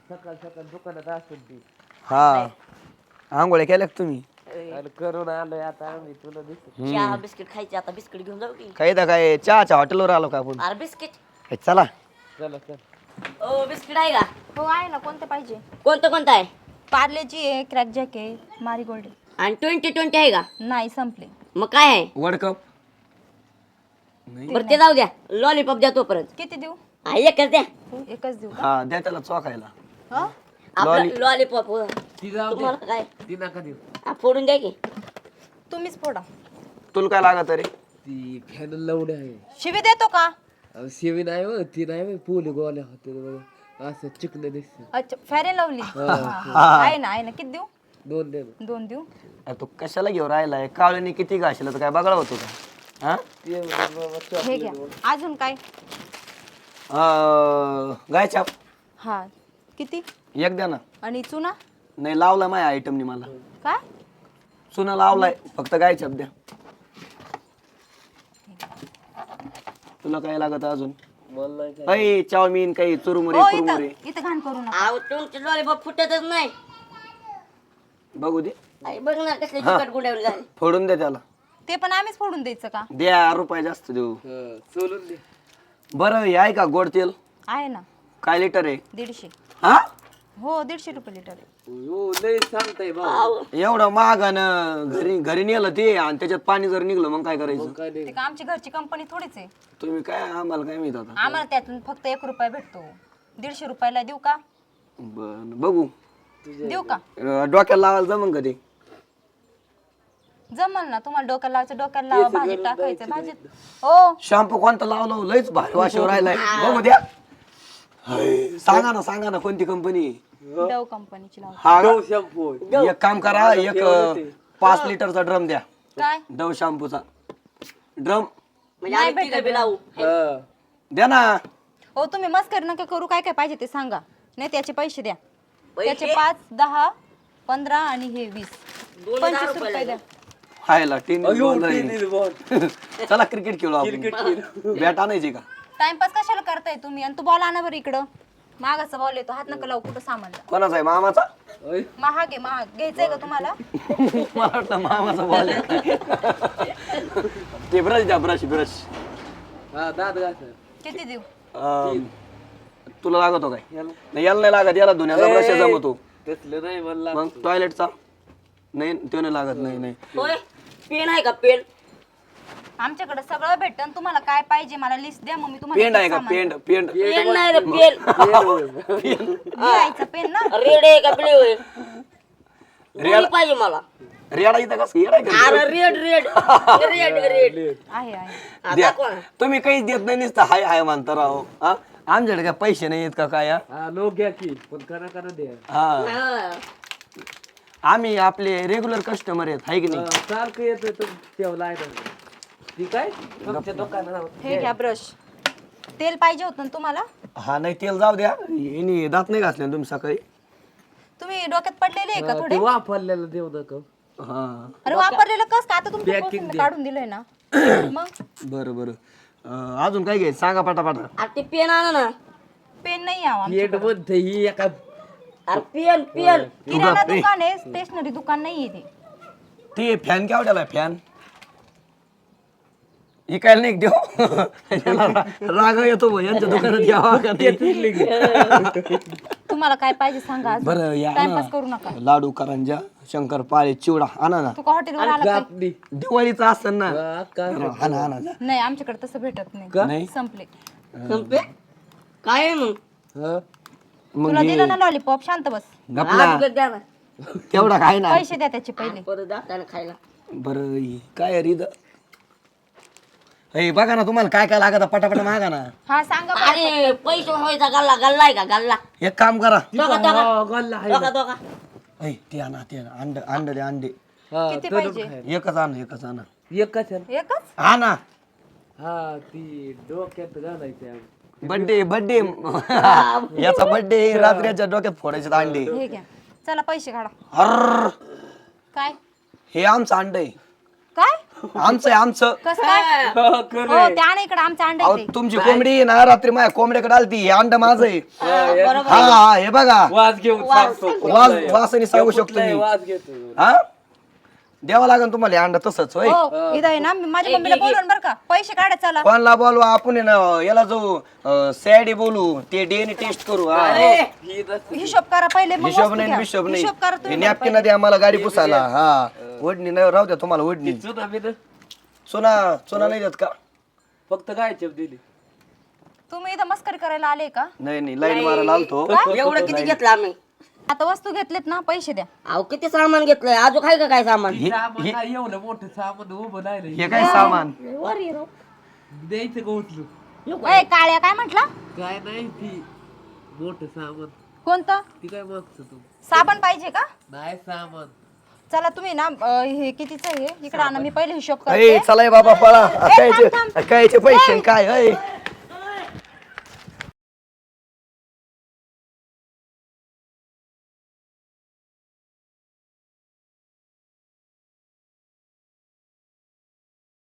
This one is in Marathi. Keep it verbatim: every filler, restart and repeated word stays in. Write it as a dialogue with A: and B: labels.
A: सकाळ सकाळ दुकानात असून ती
B: हा आंघोळ्या केल्या का तुम्ही
A: आणि करून आलोय आता आम्ही तुला दिसत
C: चहा बिस्किट खायचे आता बिस्किट घेऊन जाऊ की
B: काही तर काय चहाच्या हॉटेलवर आलो का आपण
C: अरे बिस्किट
B: हे चला
A: चला चल
C: ओ बिस्किट आहे का
D: हो आहे ना, कोणते पाहिजे?
C: कोणतं कोणतं आहे
D: पार्लेची आहे, क्रॅक जॅक आहे, मारीगोल्ड आहे.
C: आणि ट्वेंटी ट्वेंटी आहे का
D: नाही संपले.
C: मग काय आहे
B: वर्ल्ड कप
C: बरं ते जाऊ द्या लॉलीपॉप द्या तोपर्यंत
D: किती देऊ?
C: हा एकच द्या
D: एकच देऊ का?
B: हा द्या त्याला चोखायला
D: हं?
C: आपलं लॉलीपॉप
A: ती जाऊ दे
C: तुम्हाला काय
A: ती नका देऊ
C: हा, फोडून द्या की
D: तुम्हीच फोडा.
B: तुला काय लागत रे
A: ती फॅन लावणे आहे
D: शिवी देतो का?
A: अहो, शिवी नाही हो ती नाही हो, पोली गोल्या होते बघा असं चिकन दिसत
D: अच्छा फॅरेन लावली आहे ना, आहे ना. किती देऊ?
A: दोन दे ना.
D: दोन देऊ.
B: अरे तू कशाला घेऊन राहिलाय काळणी किती घाशील तर काय बघा होतो का हा
A: ते बाबा चॉक-
D: हे घ्या. अजून काय?
B: अं, गाय छाप
D: हा किती?
B: एक द्या ना
D: आणि चुना
B: नाही लावला माझ्या आयटमनी मला
D: काय?
B: चुना लावलाय फक्त गाय छाप द्या तुला काय लागत अजून
A: मला नाही काय.
B: काही चाऊमिन काही चुरमुरे
D: हो इथं
B: कुरमुरे
D: इथं घाण करू नका.
C: अहो तुमचे लॉलीपॉप फुटतच नाही
B: बघू दे
C: आई बघ ना कसले चिकट गुंडावले झाले
B: फोडून दे त्याला
D: ते पण आम्हीच फोडून द्यायचं का?
B: द्या रुपये जास्त देऊ
A: हं, सोलून दे
B: बरं हे आहे का गोड तेल
D: आहे ना,
B: काय लिटर आहे
D: दीडशे.
B: हा
D: हो दीडशे रुपये लिटर आहे.
A: हो लय सांगताय भाऊ
B: एवढं महाग आणि घरी घरी नेलं ते आणि त्याच्यात पाणी जर निघलं मग काय करायचं
A: काय नाही
D: ते का आमची घरची कंपनी थोडीच आहे.
B: तुम्ही काय आम्हाला काय माहित आता
D: आम्हाला त्यातून फक्त एक रुपया भेटतो. दीडशे रुपयाला देऊ का?
B: बरं बघू
D: देऊ का?
B: अं, डोक्याला लावायला जमन का ते
D: जमल ना तुम्हाला. डोक्याला लावायचं डोक्याला लावा, भाजीत टाकायचं भाजीत. हो
B: शॅम्पू कोणता लावला लयच भारी वाशीवर राहिलाय बघू द्या हाय, सांगा ना सांगा ना कोणती कंपनी
D: डव कंपनीची लावा.
B: हा का?
A: शॅम्पू
B: एक काम करा एक अं, पाच लिटरचा ड्रम द्या
D: काय?
B: डव शॅम्पूचा ड्रम
C: म्हणजे आम्ही तिघं बी लावू
A: हं.
B: द्या ना
D: हो तुम्ही मस्करी नका करू. काय काय पाहिजे ते सांगा, नाही त्याचे पैसे द्या.
C: पैसे?
D: त्याचे पाच दहा पंधरा आणि हे वीस
C: दोन हजार
D: पंचवीस
C: रुपये
D: रुपये द्या.
B: हायला टीन
A: अयो,
B: बॉल आहे.
A: Tennis ball.
B: चला क्रिकेट खेळू आपण बॅट आणायची का
D: टाइमपास कशाला करताय तुम्ही? आणि तू बॉल आणा बरं इकडं. महागाचा बॉल येतो, हात नका लावू कुठं सामानला.
B: कोणाचा आहे मामाचा
A: ओय,
D: महाग आहे महाग. घ्यायचंय का तुम्हाला?
B: मला वाटलं मामाचा बॉल ते ब्रश द्या ब्रश ब्रश
A: हा दात घासा
D: किती देऊ?
B: तुला लागतो काय
A: याला
B: नाही याला नाही लागत याला धुण्याचा ब्रश जमतो
A: तसलं नाही म्हणला
B: मग टॉयलेटचा नाही तो नाही लागत नाही नाही
C: होय पेन आहे का पेन
D: आमच्याकडे सगळं भेटतं. तुम्हाला काय पाहिजे मला लिस्ट द्या, मग मी
B: पेंड
D: तुम्हाला
B: आहे का
D: सामान-
B: पेंड पेंड
C: पेन नाही रे पेन
D: लिहायचं पेन ना.
C: रेड आहे का ब्ल्यू आहे दोन्ही पाहिजे मला
B: रेडा इथं कसं येडा आहे का?
C: अरे रेड रेड रेड रेड
D: आहे आहे.
C: हा,
B: द्या.
C: दाखवा ना.
B: तुम्ही काहीच देत नाही नुसतं हाय हाय म्हणता राहो हा आमच्याकडे काय पैसे नाही आहेत का काय हा?
A: हा लोक घ्या की पण करा करा द्या
B: हा
C: हा.
B: आम्ही आपले रेग्युलर कस्टमर आहेत हाय की नाही
A: हा, सारखं येतं तर ठेवला आहे ना ती काय आमच्या दुकानात
D: हे घ्या ब्रश. तेल पाहिजे होतं ना तुम्हाला?
B: हा नाही तेल जाऊ द्या यांनी दात नाही घासले ना तुम्ही सकाळी
D: तुम्ही डोक्यात पडलेले आहे का
A: ते
D: थोडे?
A: वापरलेलं देऊ नका
B: हा
D: अरे वापरलेलं कस का? आता तुमच्या
A: Packing
D: पासून
A: दे.
D: काढून दिलंय ना. मग
B: बरं बरं अं, अजून काय घ्यायचं सांगा पटापटा
C: अरे ते पेन आणा ना
D: पेन नाही यावं.
A: पेट मध्ये ही एका
C: अरे पेन पेन
D: किराणा दुकान आहे, स्टेशनरी दुकान नाहीये ते.
B: ते फॅन केवढ्याला आहे फॅन इकायला नाही देऊ त्याला रा- राग येतो भाऊ, यांच्या दुकानात यावा का नाही
D: तुम्हाला काय पाहिजे सांगा आज.
B: बरं या
D: टाइमपास करू नका.
B: ना लाडू करंजा शंकरपाळे चिवडा आणा ना
D: तू का हॉटेलवर आला काय?
A: आपली
B: दिवाळीचं असतं ना
A: हा, का
B: आणा आणा जा.
D: नाही आमच्याकडे तसं भेटत नाही.
B: नाही
D: संपले.
C: संपे काय आहे मग
A: हा
B: मग
D: तुला दिलं ना लॉलीपॉप, शांत बस.
B: गपला
C: हा, तिकडे द्या ना
B: तेवढा काय ना
D: पैसे द्या त्याचे पहिले.
C: परत जाताना खायला
B: बरं हे काय रिद हे बघा ना तुम्हाला काय काय लागत पटापट मागा ना
D: हा सांगा बरं.
C: अरे पैसे व्हायचा गल्ला गल्ला आहे का गल्ला
B: एक काम करा
C: दोघा दोघा
A: हा, गल्ला आहे
C: दोघा दोघा
B: ऐ ते आणा ते आणा अंड अंड दे अंडे
A: हा
D: किती
A: तळून
D: पाहिजे?
A: खायला.
B: एकच आणा एकच आणा
A: एकच आहे ना?
D: एकच?
B: आणा
A: हा ती डोक्यात घालायची
B: बर्थडे बर्थडे याचा बर्थडे रात्रीच्या डोक्यात फोडायचे अंडे
D: हे घ्या. चला पैसे काढा.
B: हर
D: काय
B: हे आमचं अंड आहे
D: काय?
B: आमचं आहे आमचं.
D: कसं काय हो त्या ना इकडे आमच्या अंडे
B: अहो तुमची कोंबडी आहे ना रात्री माझ्या कोंबड्याकडे आलती हे अंड माझं आहे.
C: बरोबर
B: हा हा हे बघा
A: वाज घेऊन सांगतो
B: वास वासाने सांगू शकतो मी.
A: वाज घेतो
B: हा द्यावं लागेल तुम्हाला हे अंड तसंच होय.
D: हो इथं आहे ना मी माझ्या मम्मीला बोलवून बरं का पैसे काढा चला
B: कोणला बोलू आपण आहे ना याला जाऊ सॅडी बोलू ते डीएनए टेस्ट करू. हा
D: हिशोब करा पहिले मग
B: हिशोब
D: वस्तू
B: नाही
D: घ्या.
B: हिशोब नाही
D: हिशोब करा
B: हे
D: तुम्ही
B: नॅपकिन द्या मला गाडी पुसायला. हा ओढणी नाही राहू द्या तुम्हाला ओढणी.
A: चुना बिना
B: चुना चुना नाही देत का?
A: फक्त काय चप दिली
D: तुम्ही इथं मस्करी करायला आले का
B: नाही नाही लाईन मारायला आलतो.
C: एवढं किती घेतलं आम्ही
D: आता वस्तू घेतलेत ना पैसे द्या
C: अहो किती सामान घेतलंय अजून काय का काय सामान
A: सामान काय एवढं मोठं सामान उभं नाही
B: हे काय सामान
C: वर ये राव.
A: द्यायचं का उचलू
D: ओय काळ्या काय म्हटला
A: काय नाही ती मोठं सामान
D: कोणतं
A: ती काय मागचं तू
D: साबण पाहिजे का
A: नाही सामान
D: चला तुम्ही ना अं, हे कितीचं आहे इकडे आणा मी पहिले हिशोब
B: अय
D: करते
B: चला बाबा पळा
D: थांब,
B: कायचे कायचे पैसे काय अय